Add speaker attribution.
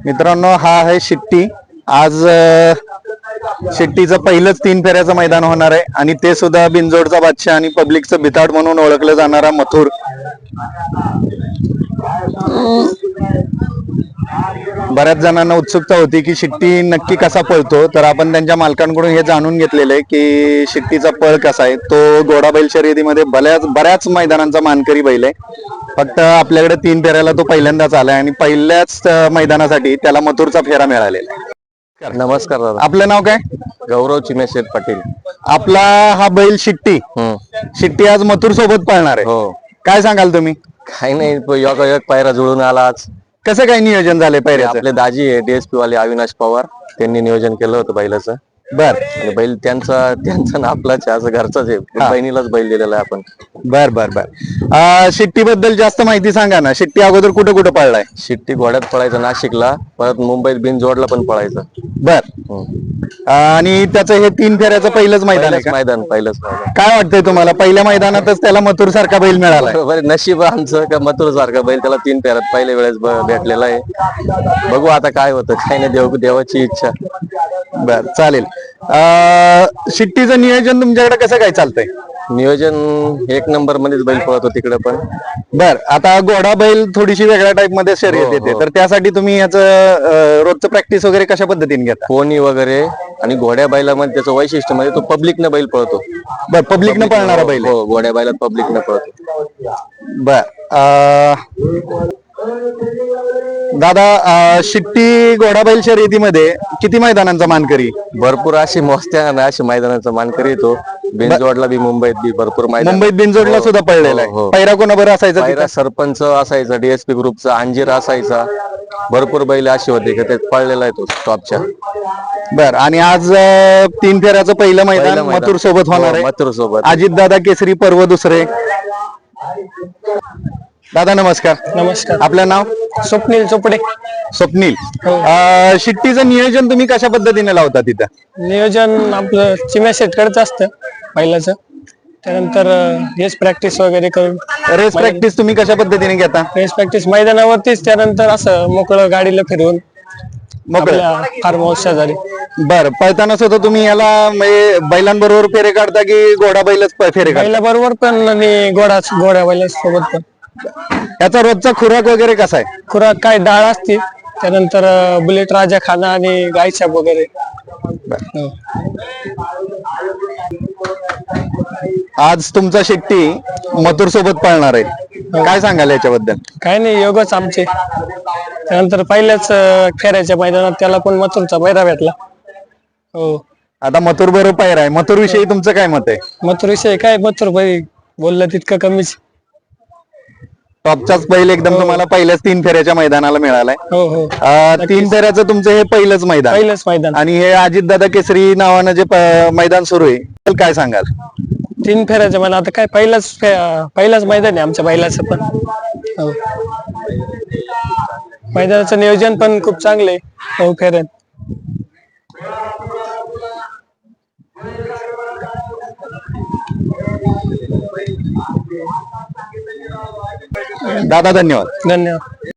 Speaker 1: मित्रांनो, हा आहे शिट्टी. आज शिट्टीचं पहिलंच 3 फेऱ्याचं मैदान होणार आहे आणि ते सुद्धा बिनजोडचा बादशाह आणि पब्लिकचं भिताड म्हणून ओळखलं जाणारा मथुर. बऱ्याच जणांना उत्सुकता होती की शिट्टी नक्की कसा पळतो, तर आपण त्यांच्या मालकांकडून हे जाणून घेतलेलं आहे की शिट्टीचा पळ कसा आहे. तो घोडा बैल शर्यतीमध्ये बऱ्याच मैदानांचा मानकरी बैल आहे. फक्त आपल्याकडे 3 फेऱ्याला तो पहिल्यांदाच आलाय आणि पहिल्याच मैदानासाठी त्याला मथुरचा फेरा मिळालेला आहे.
Speaker 2: नमस्कार दादा.
Speaker 1: आपलं नाव काय?
Speaker 2: गौरव चिमेशेठ पाटील.
Speaker 1: आपला हा बैल शिट्टी शिट्टी आज मथुर सोबत पळणार आहे.
Speaker 2: हो.
Speaker 1: काय सांगाल तुम्ही?
Speaker 2: काही नाही, योगायोग पायरा जुळून आला आज.
Speaker 1: कसं काय नियोजन झालंय पहिल्याचं?
Speaker 2: आपले दाजी आहे डीएसपी वाले अविनाश पवार, त्यांनी नियोजन केलं होतं बैलाचं.
Speaker 1: बर
Speaker 2: आणि बैल त्यांचा ना आपलाच आहे, असं घरचाच आहे. बहिणीलाच बैल दिलेला आहे आपण.
Speaker 1: बर बर बर शिट्टी बद्दल जास्त माहिती सांगा ना. शिट्टी अगोदर कुठं कुठं पळलाय?
Speaker 2: शिट्टी घोड्यात पळायचं नाशिकला, परत मुंबईत बिनजोडला पण पळायचं.
Speaker 1: बर आणि त्याचं हे 3 फेऱ्याचं पहिलंच मैदान आहे का?
Speaker 2: पहिलंच मैदान.
Speaker 1: काय वाटतंय तुम्हाला? पहिल्या मैदानातच त्याला मथुर सारखा बैल मिळाला?
Speaker 2: बरोबर, नशीब आमचं का मथुर सारखा बैल त्याला 3 फेऱ्यात पहिल्या वेळेस भेटलेला आहे. बघू आता काय होतं, काय नाही, देवाची इच्छा.
Speaker 1: बर, चालेल. शिट्टीचं नियोजन तुमच्याकडे कसं काय चालतंय?
Speaker 2: नियोजन 1 नंबर मध्येच बैल पळतो तिकडे पण.
Speaker 1: बर, आता घोडा बैल थोडीशी वेगळ्या टाइप मध्ये शर्यत येते, तर त्यासाठी तुम्ही याचं रोजचं प्रॅक्टिस वगैरे कशा पद्धतीने घेता?
Speaker 2: कोणी वगैरे. आणि घोड्या बैलामध्ये त्याचं वैशिष्ट्य म्हणजे तो पब्लिकनं बैल पळतो.
Speaker 1: बर, पब्लिकनं पळणारा बैल आहे.
Speaker 2: हो, घोड्या बैलात पब्लिकनं पळतो.
Speaker 1: बर, दादा, शिट्टी घोडा बैल शर्यतीमध्ये किती मैदानांचा मानकरी?
Speaker 2: भरपूर अशी मोजत्या ना अशी मैदानाचा मानकरी येतो. बिनजोडला बी, मुंबईत बी भरपूर मैदान.
Speaker 1: मुंबईत बिनजोडला सुद्धा पळलेला आहे. पैरा कोणा बरं असायचा?
Speaker 2: पहिला सरपंच असायचा, डीएसपी ग्रुपचा अंजीर असायचा. भरपूर बैल अशी होते की ते पळलेला आहे तो टॉपच्या.
Speaker 1: बर, आणि आज 3 फेऱ्याचं पहिलं मैदान मथुर सोबत होणार आहे.
Speaker 2: मथुर सोबत.
Speaker 1: अजित दादा केसरी पर्व दुसरे. दादा नमस्कार.
Speaker 3: नमस्कार.
Speaker 1: आपलं नाव?
Speaker 3: स्वप्नील चोपडे.
Speaker 1: स्वप्नील. शिट्टीचं नियोजन तुम्ही कशा पद्धतीने लावता तिथं?
Speaker 3: नियोजन आपलं चिम्या सेटकडचं असतं पहिल्याचं. त्यानंतर रेस प्रॅक्टिस वगैरे करून.
Speaker 1: रेस प्रॅक्टिस तुम्ही कशा पद्धतीने घेता?
Speaker 3: रेस प्रॅक्टिस मैदानावरतीच, त्यानंतर असं मोकळं गाडीला फिरवून
Speaker 1: मोकळं
Speaker 3: फार्म हाऊस शेजारी.
Speaker 1: बर, पळताना सुद्धा तुम्ही याला म्हणजे बैलांबरोबर फेरे काढता की घोडा बैलच फेरे काढता?
Speaker 3: बैला बरोबर पण आणि घोड्या बैला सोबत पण.
Speaker 1: याचा रोजचा खुराक वगैरे कसा आहे?
Speaker 3: खुराक काय डाळ असते, त्यानंतर बुलेट राजा खाना आणि गायछाप वगैरे. हो.
Speaker 1: आज तुमचा शिट्टी मथुर सोबत पळणार आहे, काय सांगाल याच्याबद्दल?
Speaker 3: काय नाही, योगच आमचे. त्यानंतर पहिल्याच फेऱ्याच्या मैदानात त्याला पण मथुरचा पैरा भेटला. हो.
Speaker 1: आता मथुर बरोबर पायरा आहे. मथुर विषयी तुमचं काय मत आहे?
Speaker 3: मथुर विषय काय, मथुर बैल बोललं तितकं कमीच.
Speaker 1: टॉपचाच बैल एकदम तुम्हाला पहिल्याच 3 फेऱ्याच्या मैदानाला मिळालाय.
Speaker 3: हो हो.
Speaker 1: 3 फेऱ्याचं तुमचं हे पहिलंच मैदान आणि हे अजित दादा केसरी नावानं जे मैदान सुरू आहे, तर काय सांगाल?
Speaker 3: 3 फेऱ्याच्या मैदान. आता काय पहिलाच मैदान आहे आमच्या बैलाचं पण. हो. मैदानाचं नियोजन पण खूप चांगलं आहे. हो, फेऱ्यात.
Speaker 1: दादा धन्यवाद.
Speaker 3: धन्यवाद.